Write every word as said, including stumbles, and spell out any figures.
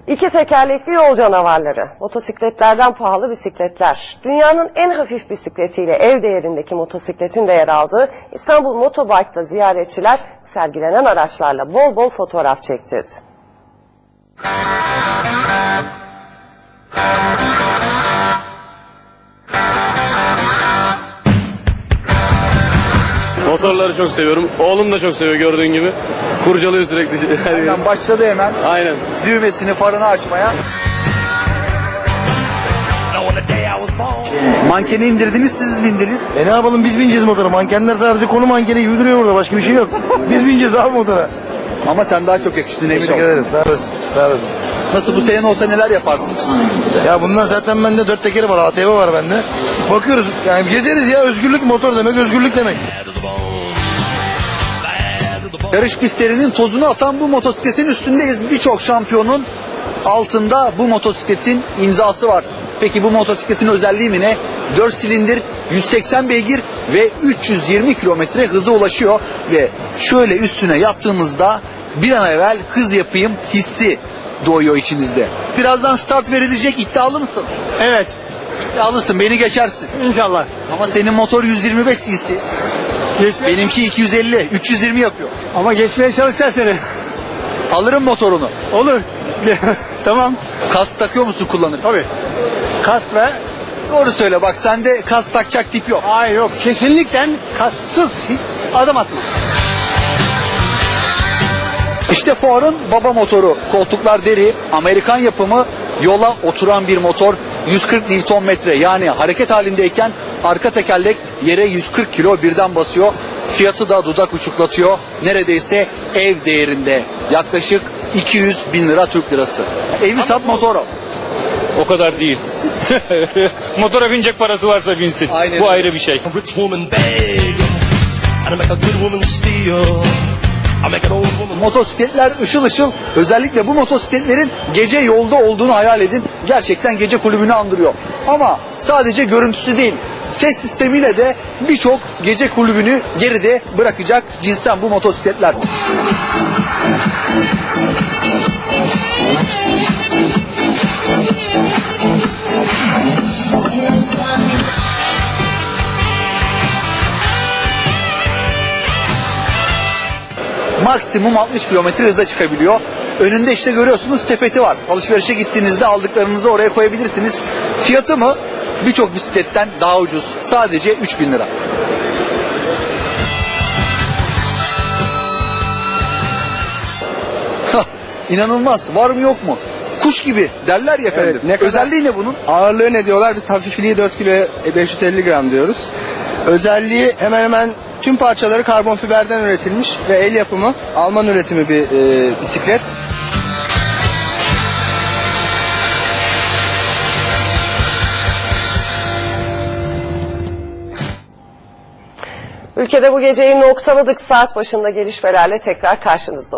İki tekerlekli yol canavarları, motosikletlerden pahalı bisikletler. Dünyanın en hafif bisikletiyle ev değerindeki motosikletin de yer aldığı İstanbul Motobike'da ziyaretçiler sergilenen araçlarla bol bol fotoğraf çektirdi. Motorları çok seviyorum. Oğlum da çok seviyor gördüğün gibi. Kurcalıyor sürekli. Aynen, başladı hemen. Aynen. Düğmesini, farını açmaya. Mankeni indirdiniz, siz indiniz. E ne yapalım, biz bineceğiz motora. Mankenler sadece konu mankeni gibi duruyor burada. Başka bir şey yok. Biz bineceğiz abi motora. Ama sen daha çok yakıştın, emin Teşekkür ol. ederim. Sağ olasın. Sağ olasın. Nasıl, bu senin olsa neler yaparsın? Ya bundan zaten bende dört tekeri var. A T V var bende. Bakıyoruz. Yani gezeriz ya. Özgürlük, motor demek özgürlük demek. Yarış pistlerinin tozunu atan bu motosikletin üstündeyiz. Birçok şampiyonun altında bu motosikletin imzası var. Peki bu motosikletin özelliği mi ne? dört silindir, yüz seksen beygir ve üç yüz yirmi kilometre hıza ulaşıyor. Ve şöyle üstüne yattığınızda bir an evvel hız yapayım hissi doğuyor içinizde. Birazdan start verilecek, iddialı mısın? Evet, İddialısın, beni geçersin. inşallah. Ama senin motor yüz yirmi beş cc. Geçme. Benimki iki yüz elli, üç yüz yirmi yapıyor. Ama geçmeye çalışacağız seni. Alırım motorunu. Olur. Tamam. Kask takıyor musun, kullanır? Tabii. Kask ve... Doğru söyle, bak sende kask takacak tip yok. Hayır yok. Kesinlikle kasksız adım atma. İşte Ford'un baba motoru. Koltuklar deri, Amerikan yapımı, yola oturan bir motor. yüz kırk Newton metre, yani hareket halindeyken arka tekerlek yere yüz kırk kilo birden basıyor. Fiyatı da dudak uçuklatıyor. Neredeyse ev değerinde. Yaklaşık iki yüz bin lira Türk lirası. Evi sat, motoru. O kadar değil. Motora binecek parası varsa binsin. Aynen. Bu ayrı bir şey. A rich woman beg, and I make a good woman steal. I make an old woman. Motosikletler ışıl ışıl. Özellikle bu motosikletlerin gece yolda olduğunu hayal edin. Gerçekten gece kulübünü andırıyor. Ama sadece görüntüsü değil, ses sistemiyle de birçok gece kulübünü geride bırakacak cinsten bu motosikletler. Maksimum altmış kilometre hızla çıkabiliyor. Önünde işte görüyorsunuz sepeti var. Alışverişe gittiğinizde aldıklarınızı oraya koyabilirsiniz. Fiyatı mı birçok bisikletten daha ucuz. Sadece üç bin lira. Hah, İnanılmaz. Var mı yok mu? Kuş gibi derler ya efendim. Evet, ne kadar- Özelliği ne bunun? Ağırlığı ne diyorlar? Biz hafifliği dört kilo beş yüz elli gram diyoruz. Özelliği hemen hemen tüm parçaları karbon fiberden üretilmiş ve el yapımı, Alman üretimi bir e, bisiklet. Ülkede bu geceyi noktaladık. Saat başında gelişmelerle tekrar karşınızda